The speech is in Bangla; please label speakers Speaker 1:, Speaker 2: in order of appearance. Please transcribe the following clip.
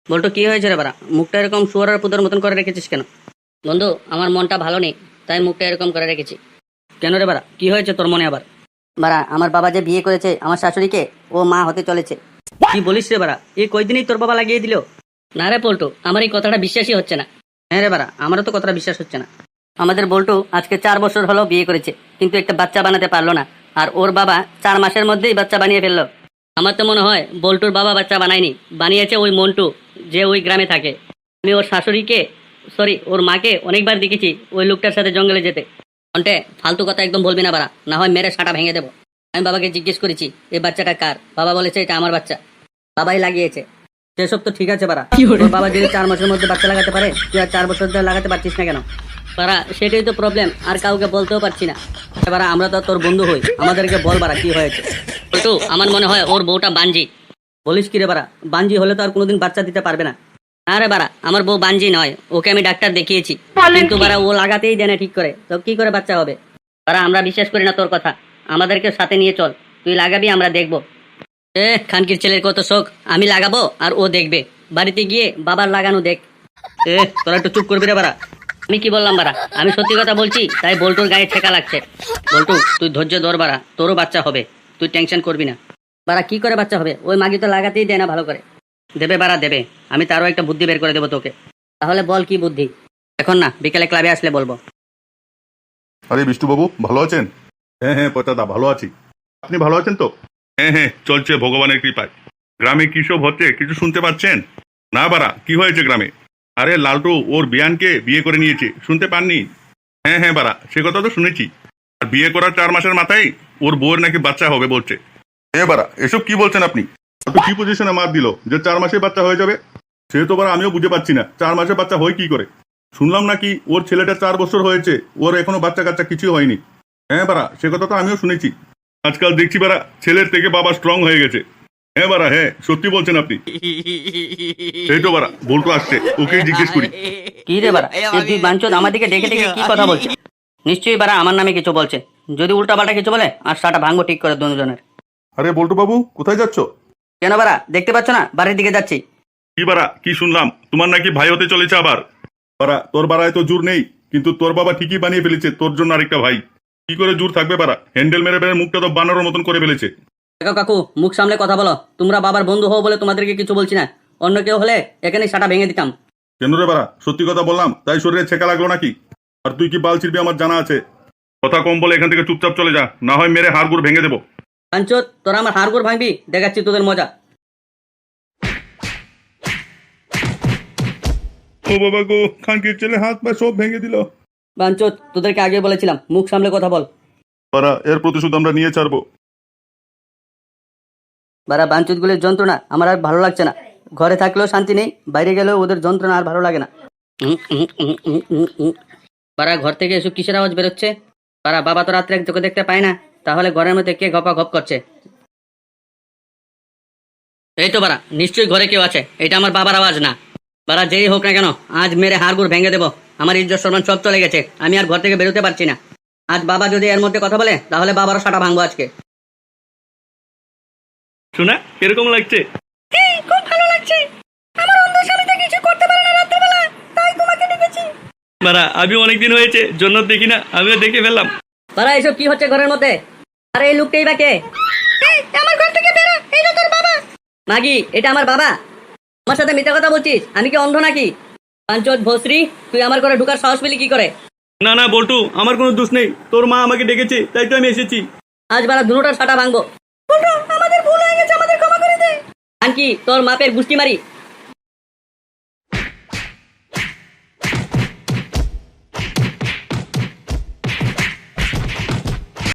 Speaker 1: বলতো কি হয়েছে রে বাড়া, মুখটা এরকম শুয়ারের পুতোর মতন করে রেখেছিস কেন? বন্ধু, আমার মনটা ভালো নেই, তাই মুখটা এরকম করে রেখেছি। কেন রে বাড়া, কি হয়েছে তোর মনে আবার? বাড়া, আমার বাবা যে বিয়ে করেছে আমার শাশুড়িকে, ও মা হতে চলেছে। কি বলিস রে বাড়া, এই কয়দিনই তোর বাবা লাগিয়ে দিল? না রে পল্টু, আমার এই কথাটা বিশ্বাসই হচ্ছে না। হ্যাঁ রে বাড়া, আমারও তো কথাটা বিশ্বাস হচ্ছে না। আমাদের বল্টু আজকে 4 বছর হলো বিয়ে করেছে, কিন্তু একটা বাচ্চা বানাতে পারলো না। আর ওর বাবা 4 মাসের মধ্যেই বাচ্চা বানিয়ে ফেললো। আমার তো মনে হয় বল্টুর বাবা বাচ্চা বানায়নি, বানিয়েছে ওই মন্টু, যে ওই গ্রামে থাকে। আমি ওর শাশুড়িকে, সরি ওর মাকে অনেকবার দেখেছি ওই লোকটার সাথে জঙ্গলে যেতে। কন্টে, ফালতু কথা একদম বলবি না বাড়া, না হয় মেরে সাঁটা ভেঙে দেবো। আমি বাবাকে জিজ্ঞেস করেছি এই বাচ্চাটা কার, বাবা বলেছে এটা আমার বাচ্চা, বাবাই লাগিয়েছে। সেসব তো ঠিক আছে বাড়া, তোর বাবা যদি 4 মাসের মধ্যে বাচ্চা লাগাতে পারে, তুই আর 4 বছর ধরে লাগাতে পারছিস না কেন? বাড়া, সেটাই তো প্রবলেম, আর কাউকে বলতেও পারছি না। বাড়া, আমরা তো তোর বন্ধু হই, আমাদেরকে বল বাড়া কি হয়েছে। বলটু, আমার মনে হয় ওর বউটা বাঞ্জি। বলিস কি রে বাড়া, বাঞ্জি হলে তো আর কোনোদিন বাচ্চা দিতে পারবে না। আরে বাড়া, আমার বউ বাঞ্জি নয়, ওকে আমি ডাক্তার দেখিয়েছি, কিন্তু বাড়া ও লাগাতেই দেয় না ঠিক করে, তো কি করে বাচ্চা হবে? বাড়া, আমরা বিশ্বাস করি না তোর কথা, আমাদেরকে সাথে নিয়ে চল, তুই লাগাবি আমরা দেখবো। খানকির ছেলের কত শখ, আমি লাগাবো আর ও দেখবে, বাড়িতে গিয়ে বাবার লাগানো দেখ। তোরা একটু চুপ করবি রে বাড়া। আমি কি বললাম বাড়া, আমি সত্যি কথা বলছি, তাই বল্টুর গায়ে ঠেকা লাগছে। বল্টু, তুই ধৈর্য ধর বাড়া, তোরও বাচ্চা হবে, তুই টেনশন করবি না। বাড়া, কি করে বাচ্চা হবে? ওই মাগি তো লাগাতেই দেয় না ভালো করে। দেবে বাড়া দেবে, আমি তারও একটা বুদ্ধি বের করে দেবো তোকে। তাহলে বল কি বুদ্ধি? এখন না, বিকেলে ক্লাবে আসলে বলবো।
Speaker 2: আরে বিষ্টুবাবু, ভালো আছেন? হ্যাঁ হ্যাঁ পচাদা, ভালো আছি। আপনি ভালো আছেন তো? হ্যাঁ হ্যাঁ, চলছে ভগবানের কৃপায়। গ্রামে কি সব হচ্ছে কিছু শুনতে পাচ্ছেন? না বাড়া, কি হয়েছে গ্রামে? আরে লালটু ওর বিয়ানকে বিয়ে করে নিয়েছে, শুনতে পাননি? হ্যাঁ হ্যাঁ বাড়া, সে কথা তো শুনেছি। আর বিয়ে করার 4 মাসের মাথায় ওর বউয়ের নাকি বাচ্চা হবে বলছে। হ্যাঁ বাড়া, এসব কি বলছেন আপনি? তো কি পজিশনে মার দিল যে 4 মাসে বাচ্চা হয়ে যাবে? সে তো বাড়া আমিও বুঝে পাচ্ছি না, 4 মাসে বাচ্চা হয় কি করে? শুনলাম নাকি ওর ছেলেটা 4 বছর হয়েছে, ওর এখনো বাচ্চা কাচ্চা কিছু হয়নি। হ্যাঁ বাড়া, সে কথা তো আমিও শুনেছি। আজকাল দেখছি বাড়া ছেলের থেকে বাবা স্ট্রং হয়ে গেছে। হ্যাঁ বাড়া, হ্যাঁ সত্যি বলছেন আপনি। এই তো বাড়া বল্টু আসছে, ওকেই জিজ্ঞেস করি।
Speaker 1: কি রে বাড়া, এই দুই বাঞ্চোদ আমার দিকে দেখে দেখে কি কথা বলছে? নিশ্চয়ই বাড়া আমার নামে কিছু বলছে, যদি উল্টা পাল্টা কিছু বলে আর সাটা ভাঙবো ঠিক করে দুজনের।
Speaker 2: আরে বল্টু বাবু, কোথায় যাচ্ছ?
Speaker 1: কেন বাড়া, দেখতে পাচ্ছ না বাড়ির দিকে যাচ্ছি।
Speaker 2: কি বাড়া, কি শুনলাম তোমার নাকি ভাই হতে চলেছে আবার? বাড়া, তোর বাড়ায় তো জোর নেই, কিন্তু তোর বাবা ঠিকই বানিয়ে ফেলেছে তোর জন্য আরেকটা ভাই। কি করে জোর থাকবে বাড়া, হ্যান্ডেল মেরে মেরে মুখটা তো বানানোর মতন করে ফেলেছে।
Speaker 1: দেখো কাকু, মুখ সামলে কথা বলো, তোমরা বাবার বন্ধু হও বলে তোমাদেরকে কিছু বলছি না, অন্য কেউ হলে এখানেই সাটা ভেঙে দিতাম।
Speaker 2: কেন রে বাড়া, সত্যি কথা বললাম তাই শরীরে ছেঁকা লাগলো নাকি? আর তুই কি বাল ছিড়বি আমার জানা আছে। কথা কম বলে এখান থেকে চুপচাপ চলে যা, না হয় মেরে হাড়গুড় ভেঙে দেবো।
Speaker 1: বাঞ্চোদ, তোরা আমার হাড়গোড় ভাঙবি, দেখাচ্ছি তোদের মজা।
Speaker 2: ও বাবা গো, খানকির ছেলে হাত পা সব ভেঙে দিল।
Speaker 1: বাঞ্চোদ, তোদেরকে আগে বলেছিলাম মুখ সামলে কথা বল।
Speaker 2: বাড়া, এর প্রতিশোধ আমরা নিয়ে ছাড়বো।
Speaker 1: বারা, বাঞ্চোদ গুলির যন্ত্রণা আমার আর ভালো লাগছে না, ঘরে থাকলেও শান্তি নেই, বাইরে গেলেও ওদের যন্ত্রণা আর ভালো লাগে না। বারা, ঘর থেকে এসব কিসের আওয়াজ বেরোচ্ছে? বারা, বাবা তো রাত্রে চোখে দেখতে পায় না, তাহলে ঘরের মধ্যে কে গপা গপ করছে? এই তো বারা, নিশ্চয়ই ঘরে কেউ আছে, এটা আমার বাবার আওয়াজ না। বারা, যেই হোক না কেন, আজ মেরে হাড়গুড় ভেঙে দেবো, আমার ইজ্জত সম্মান সব চলে গেছে, আমি আর ঘর থেকে বেরোতে পারছি না। আজ বাবা যদি এর মধ্যে কথা বলে, তাহলে বাবারও সাটা ভাঙবো আজকে।
Speaker 3: শোনা কিরকম লাগছে?
Speaker 1: খুব ভালো লাগছে, আমার অন্ধ স্বামীটা কিছু করতে পারে না রাত্রেবেলা, তাই তোমাকে ডেকেছি।
Speaker 3: বারা, আমি অনেকদিন হয়েছে জন্য দেখি না, আমিও দেখে ফেললাম।
Speaker 1: বারা, এসব কি হচ্ছে ঘরের মধ্যে? আরে এই লোকটাই বা কে? আমার ঘর থেকে বেরো, এটা তোর বাবা। মাগি, এটা আমার বাবা। আমার সাথে মিথ্যা কথা বলছিস, আমি কি অন্ধ নাকি? পাঞ্চত ভোসরি, তুই আমার ঘরে ঢুকার সাহস পেলি কি করে?
Speaker 3: না না বল্টু, আমার কোনো দোষ নেই, তোর মা আমাকে ডেকেছে তাই তো আমি এসেছি।
Speaker 1: আজ বারা দুটোটার সাটা ভাঙবো। আমাদের ভুল হয়ে গেছে, আমাদের ক্ষমা করে দে। আনকি তোর মাপের গুষ্টি মারি,